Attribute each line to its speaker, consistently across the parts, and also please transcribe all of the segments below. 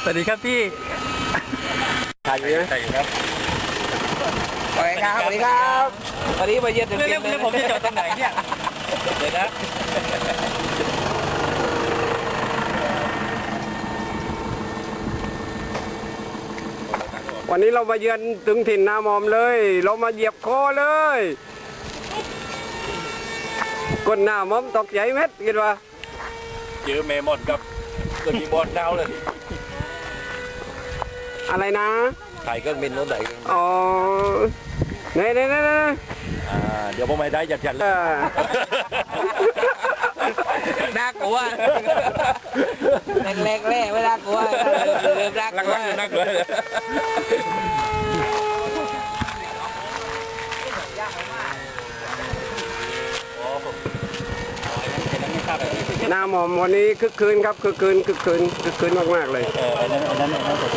Speaker 1: สวัสดีครับพี่
Speaker 2: ถ่ายอยู่นะ
Speaker 1: ถ่ายอยู่ครับ
Speaker 2: สวัสดีครับสวัสดีครับวันนี้มาเยือนถึง
Speaker 1: เรื่องผมจะจอดตรงไหนเนี่ยเดี๋ยวนะ
Speaker 3: วันนี้เรามาเยือนถึงถิ่นนาหมอมเลยเรามาเหยียบคอเลยก้นหน้าหมอมตกใจเม็ดคิดว่า
Speaker 1: เจอเมมอนกับตัวมีบอลดาวเลย
Speaker 3: อะไรนะ
Speaker 1: ถ่ายเครื่องบินรถไหน
Speaker 3: อ๋อเนี่ย
Speaker 1: เดี๋ยวผมไม่ได้จัดเลย
Speaker 2: น่ากลัวแรกไม่น่ากลัวเริ่มน่ากลัว
Speaker 1: น่ากลัว
Speaker 3: นาหมอมวันนี้คึกคืนครับคึกคืนมากๆเลย
Speaker 1: อันนั้น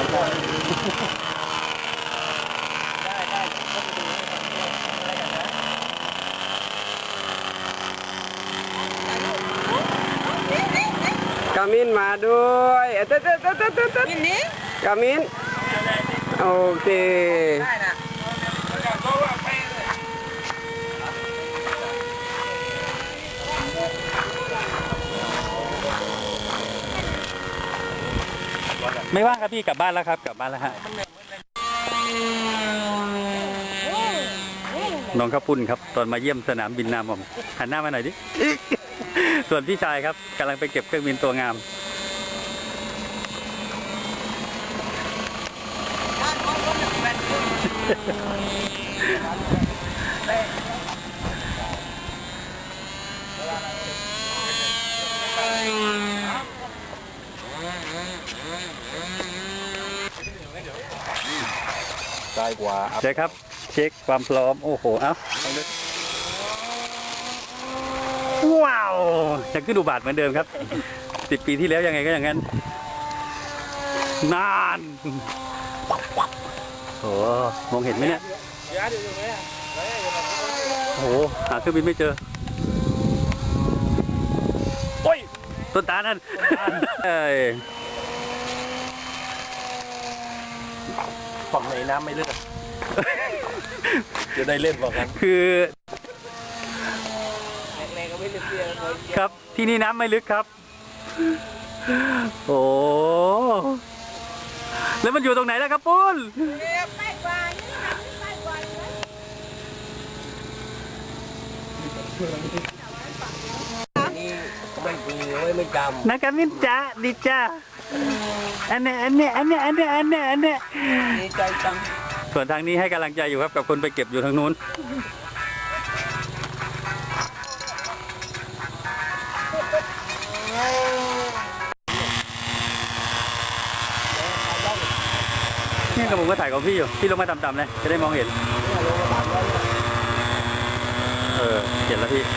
Speaker 3: กามินมาด้วยเต๊กามินโอเค
Speaker 1: ไม่ว่างครับพี่กลับบ้านแล้วครับกลับบ้านแล้วฮะน้องข้าวปุ้นครับตอนมาเยี่ยมสนามบินนามอมหันหน้ามาหน่อยดิ ส่วนพี่ชายครับกำลังไปเก็บเครื่องบินตัวงาม
Speaker 2: ได้กว่า
Speaker 1: เช็คครับเช็คความพร้อมโอ้โหเอ้าว้าวยังขึ้นอุบาทเหมือนเดิมครับ10 ปีที่แล้วยังไงก็อย่างนั้นนานโอ้มองเห็นไหมเนี่ยโอ้หาเครื่องบินไม่เจอโอ้ยต้นตาลนั่น
Speaker 2: ฝั่งไหนน้ำไม่เลือดจะได้เล่นบอกกัน
Speaker 1: คือ
Speaker 2: แรกก็ไม่เลือด
Speaker 1: ครับที่นี่น้ำไม่ลึกครับโอ้แล้วมันอยู่ตรงไหนล่ะครับปุ้น
Speaker 4: ไม่กว่านี่นะไม่กว่า
Speaker 2: นี่ไม่ปีไม่จำ
Speaker 1: นักการมินจ้าดิจ้าอันเนี้ย
Speaker 2: ดีใจจัง
Speaker 1: ส่วนทางนี้ให้กำลังใจอยู่ครับกับคนไปเก็บอยู่ทางนู้นนี่กระผมก็ถ่ายของพี่อยู่พี่ลงมาต่ำๆเลยจะได้มองเห็นเห็นแล้วพี่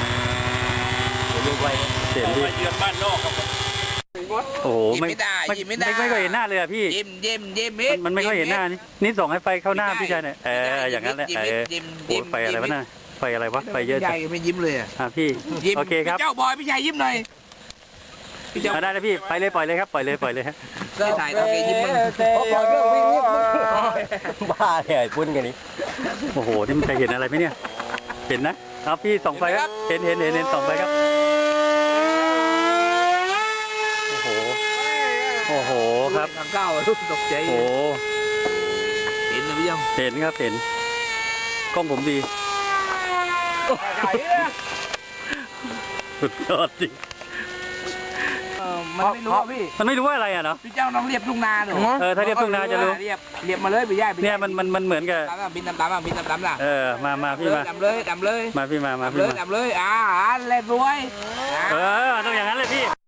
Speaker 1: เห็นพี่
Speaker 2: เยือนบ้านนอกครับ
Speaker 1: โอ้โหไม่ค่อยเห็นหน้าเลยอะพี่
Speaker 2: ยิ้ม
Speaker 1: มันไม่ค่อยเห็นหน้านี่ส่องให้ไฟเข้าหน้าพี่ชายหน่อยอย่างนั้นแหละไฟอะไรวะน่ะไฟอะไรวะไฟเยอะจัง
Speaker 2: ไม่ยิ้มเลย
Speaker 1: พี่โอเคครับ
Speaker 2: เจ้าบอยพี่ชายยิ้มหน่อย
Speaker 1: ได้เลยพี่ไปเลยปล่อยเลยครับปล่อยเลยฮะ
Speaker 2: ได้ถ่ายตอนแกยิ้มมัน
Speaker 3: บ้าเนี่ยปุ้นกันนี่
Speaker 1: โอ้โหที่มันจะเห็นอะไรไหมเนี่ยเห็นนะเอาพี่ส่องไฟครับเห็นส่องไฟครับโอ้โหครับ
Speaker 2: ทางก้าวรู้ตกใจ
Speaker 1: โอ้
Speaker 2: เห็นหรือยัง
Speaker 1: เห็นครับเห็นกล้องผมดีสุดยอดจริง
Speaker 2: มันไม่รู้พี่
Speaker 1: มันไม่รู้ว่าอะไรอ่ะเนาะ
Speaker 2: พี่เจ้าน้องเรียบทุ่งนาหนู
Speaker 1: ถ้าเรียบทุ่งนาจะรู้
Speaker 2: เรียบมาเลยพี่ย่า
Speaker 1: เนี่ยมันเหมือนกับ
Speaker 2: บินตามล่ะ
Speaker 1: มาพี่มา
Speaker 2: ดำเลย
Speaker 1: มาพี่มา
Speaker 2: ดำเลยเล่นรวย
Speaker 1: ต้องอย่างนั้นเลยพี่